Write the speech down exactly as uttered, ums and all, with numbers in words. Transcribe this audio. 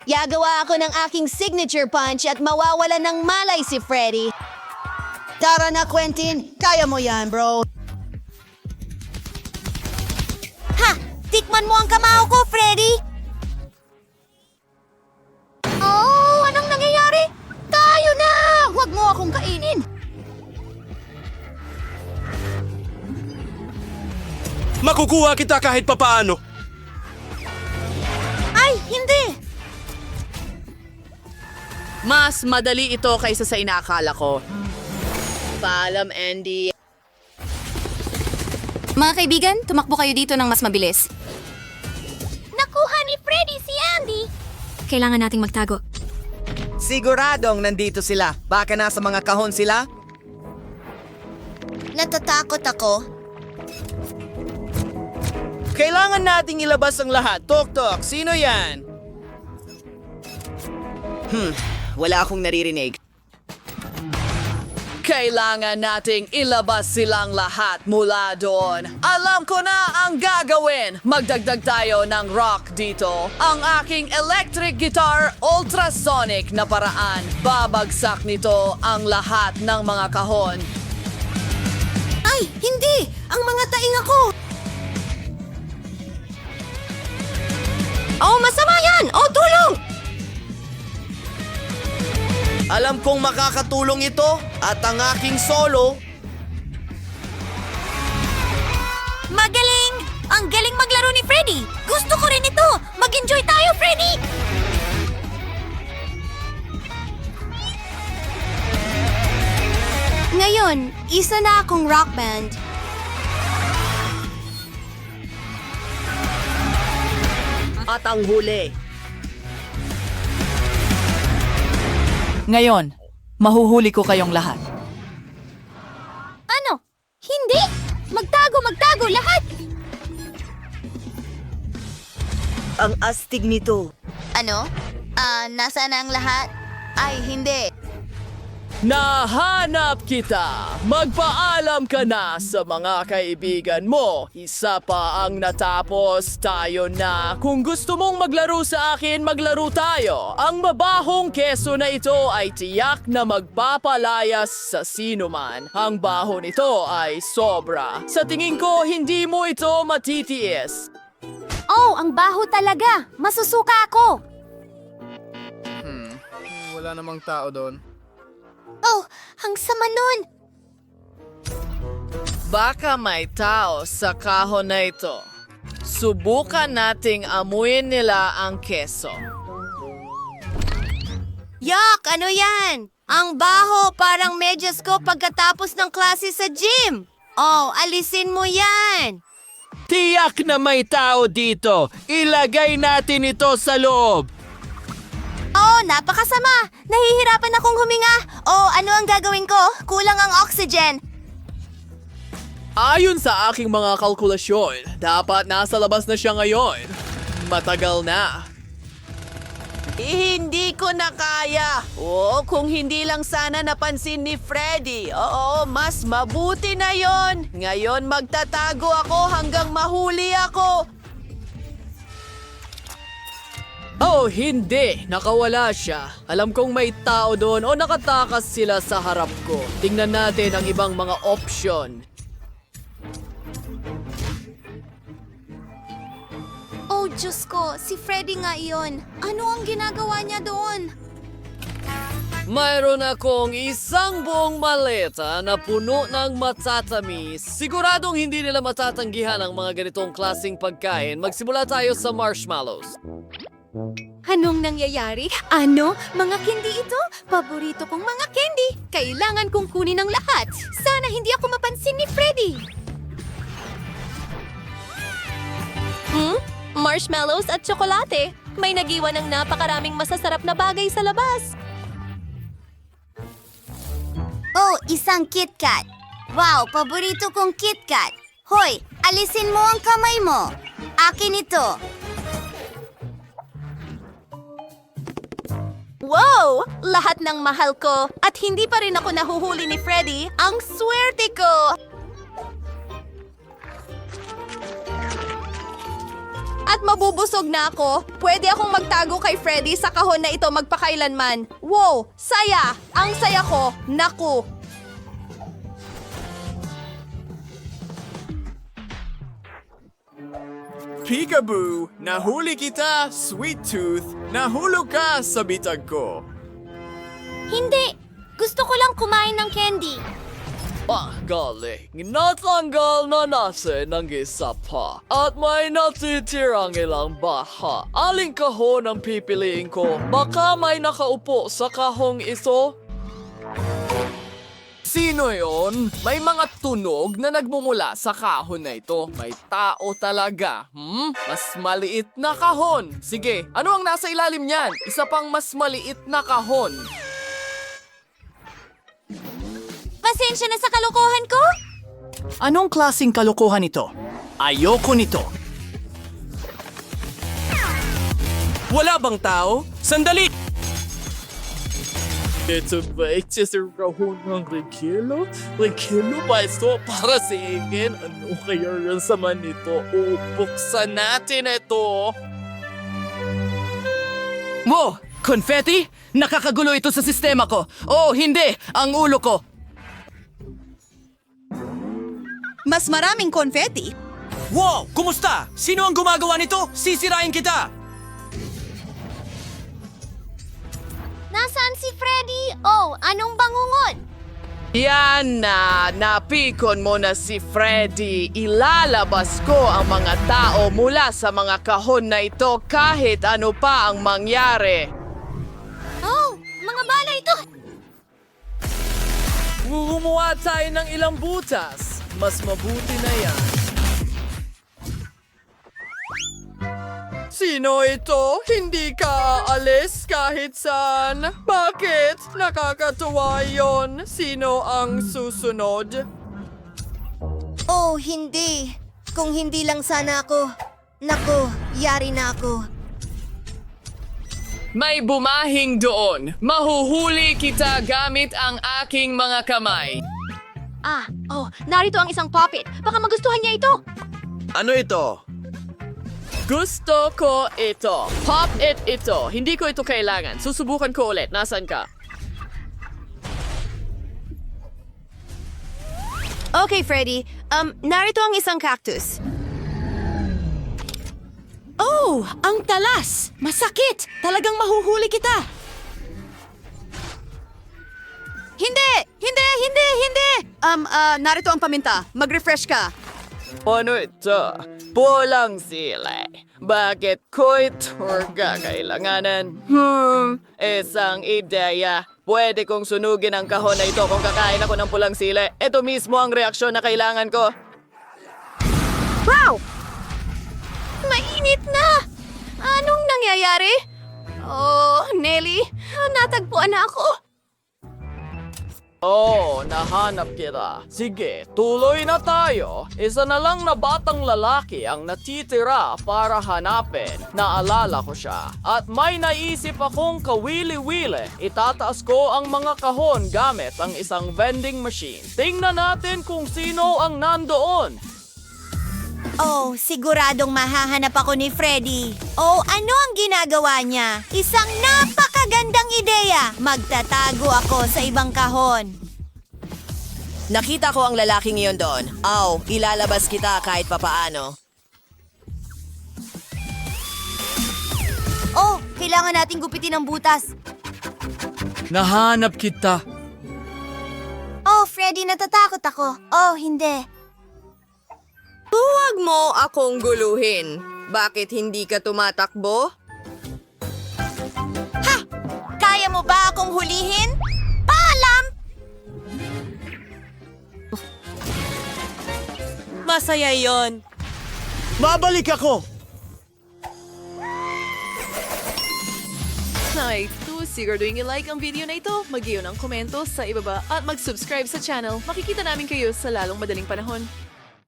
Yagawa ako ng aking signature punch at mawawala ng malay si Freddy. Tara na, Quentin. Kaya mo yan, bro. Ha! Tikman mo ang kamao ko, Freddy! Oh, anong nangyayari? Tayo na! Huwag mo akong kainin! Makukuha kita kahit papaano. Ay, hindi! Mas madali ito kaysa sa inaakala ko. Paalam, Andy. Mga kaibigan, tumakbo kayo dito ng mas mabilis. Nakuha ni Freddy si Andy! Kailangan nating magtago. Siguradong nandito sila. Baka nasa mga kahon sila? Natatakot ako. Kailangan nating ilabas ang lahat. Tok-tok, sino yan? Hmm, wala akong naririnig. Kailangan nating ilabas silang lahat mula doon. Alam ko na ang gagawin. Magdagdag tayo ng rock dito. Ang aking electric guitar ultrasonic na paraan. Babagsak nito ang lahat ng mga kahon. Ay, hindi! Ang mga taing ako! Oh, masama yan! Oh, tulong! Alam kong makakatulong ito at ang aking solo. Magaling! Ang galing maglaro ni Freddy! Gusto ko rin ito! Mag-enjoy tayo, Freddy! Ngayon, isa na akong rock band. At ang huli. Ngayon, mahuhuli ko kayong lahat. Ano? Hindi! Magtago, magtago, lahat! Ang astig nito. Ano? Ah, nasaan ang lahat? Ay, hindi. Nahanap kita! Magpaalam ka na sa mga kaibigan mo. Isa pa ang natapos, tayo na. Kung gusto mong maglaro sa akin, maglaro tayo. Ang mabahong keso na ito ay tiyak na magpapalayas sa sinuman. Ang baho nito ay sobra. Sa tingin ko, hindi mo ito matitiis. Oh, ang baho talaga! Masusuka ako! Wala namang tao doon. Oh, ang sama nun! Baka may tao sa kahon na ito. Subukan nating amuyin nila ang keso. Yak! Ano yan? Ang baho, parang medyas ko pagkatapos ng klase sa gym. Oh, alisin mo yan! Tiyak na may tao dito. Ilagay natin ito sa loob. Oh, napakasama! Nahihirapan akong huminga. Oh, ano ang gagawin ko? Kulang ang oxygen. Ayon sa aking mga kalkulasyon, dapat nasa labas na siya ngayon. Matagal na. Eh, hindi ko na kaya. Oo, kung hindi lang sana napansin ni Freddy. Oo, mas mabuti na yon. Ngayon magtatago ako hanggang mahuli ako. Oh, hindi. Nakawala siya. Alam kong may tao doon o nakatakas sila sa harap ko. Tingnan natin ang ibang mga option. Oh, Diyos ko, si Freddy nga iyon. Ano ang ginagawa niya doon? Mayroon akong isang buong maleta na puno ng matatamis. Siguradong hindi nila matatanggihan ang mga ganitong klaseng pagkain. Magsimula tayo sa marshmallows. Anong nangyayari? Ano? Mga candy ito? Paborito kong mga candy. Kailangan kong kunin ang lahat. Sana hindi ako mapansin ni Freddy. Hmm? Marshmallows at tsokolate. May nagiwan ng napakaraming masasarap na bagay sa labas. Oh, isang KitKat. Wow, paborito kong KitKat. Hoy, alisin mo ang kamay mo. Akin ito. Wow! Lahat ng mahal ko at hindi pa rin ako nahuhuli ni Freddy. Ang swerte ko! At mabubusog na ako. Pwede akong magtago kay Freddy sa kahon na ito magpakailanman. Wow! Saya! Ang saya ko! Naku! Peekaboo! Nahuli kita, Sweet Tooth! Nahulog ka sa bitag ko! Hindi! Gusto ko lang kumain ng candy. Ah, galing. Natanggal na natin ang isa pa. At may natitirang ilang baha. Aling kahon ang pipiliin ko? Baka may nakaupo sa kahong iso? Sino yon? May mga tunog na nagmumula sa kahon na ito. May tao talaga. Hmm? Mas maliit na kahon. Sige, ano ang nasa ilalim niyan? Isa pang mas maliit na kahon. Pasensya na sa kalokohan ko? Anong klasing kalokohan ito? Ayoko nito. Wala bang tao? Sandali! Ito ba sa kahon ng Regilo? Regilo ba ito para sa akin? Ano kaya yung sama nito? O buksan natin ito! Wow! Confetti? Nakakagulo ito sa sistema ko. Oh, hindi! Ang ulo ko. Mas maraming confetti. Wow! Kumusta? Sino ang gumagawa nito? Sisirain kita! Nasaan si Freddy? Oh, anong bangungot? Yan na, napikon mo na si Freddy. Ilalabas ko ang mga tao mula sa mga kahon na ito kahit ano pa ang mangyari. Oh, mga bala ito! Gumawa tayo ng ilang butas. Mas mabuti na yan. Sino ito? Hindi ka aalis kahit saan? Bakit? Nakakatuwa yon. Sino ang susunod? Oh, hindi. Kung hindi lang sana ako. Naku, yari na ako. May bumahing doon. Mahuhuli kita gamit ang aking mga kamay. Ah, oh, narito ang isang puppet. Baka magustuhan niya ito. Ano ito? Gusto ko ito. Pop it ito. Hindi ko ito kailangan. Susubukan ko ulit. Nasaan ka? Okay, Freddy. Um, narito ang isang cactus. Oh, ang talas! Masakit! Talagang mahuhuli kita! Hindi! Hindi! Hindi! Hindi! Um, ah, narito ang paminta. Mag-refresh ka. Ano ito? Pulang sila. Bakit ko ito kakailanganan? Hmm, isang ideya. Pwede kong sunugin ang kahon na ito kung kakain ako ng pulang sili. Ito mismo ang reaksyon na kailangan ko. Wow! Mainit na! Anong nangyayari? Oh, Nelly, natagpuan na ako. Oh, nahanap kita. Sige, tuloy na tayo. Isa na lang na batang lalaki ang natitira para hanapin. Naalala ko siya. At may naisip akong kawili-wili. Itataas ko ang mga kahon gamit ang isang vending machine. Tingnan natin kung sino ang nandoon. Oh, siguradong mahahanap ako ni Freddy. Oh, ano ang ginagawa niya? Isang napakagandang ideya. Magtatago ako sa ibang kahon. Nakita ko ang lalaking iyon doon. Aw, ilalabas kita kahit papaano. Oh, kailangan nating gupitin ang butas. Nahanap kita. Oh, Freddy, natatakot ako. Oh, hindi. Huwag mo akong guluhin. Bakit hindi ka tumatakbo? Kaya mo ba akong hulihin? Paalam! Masaya yon. Babalik ako! Hi, to siguraduhin i-like ang video na ito, mag-iyo ng komento sa ibaba at mag-subscribe sa channel. Makikita namin kayo sa lalong madaling panahon.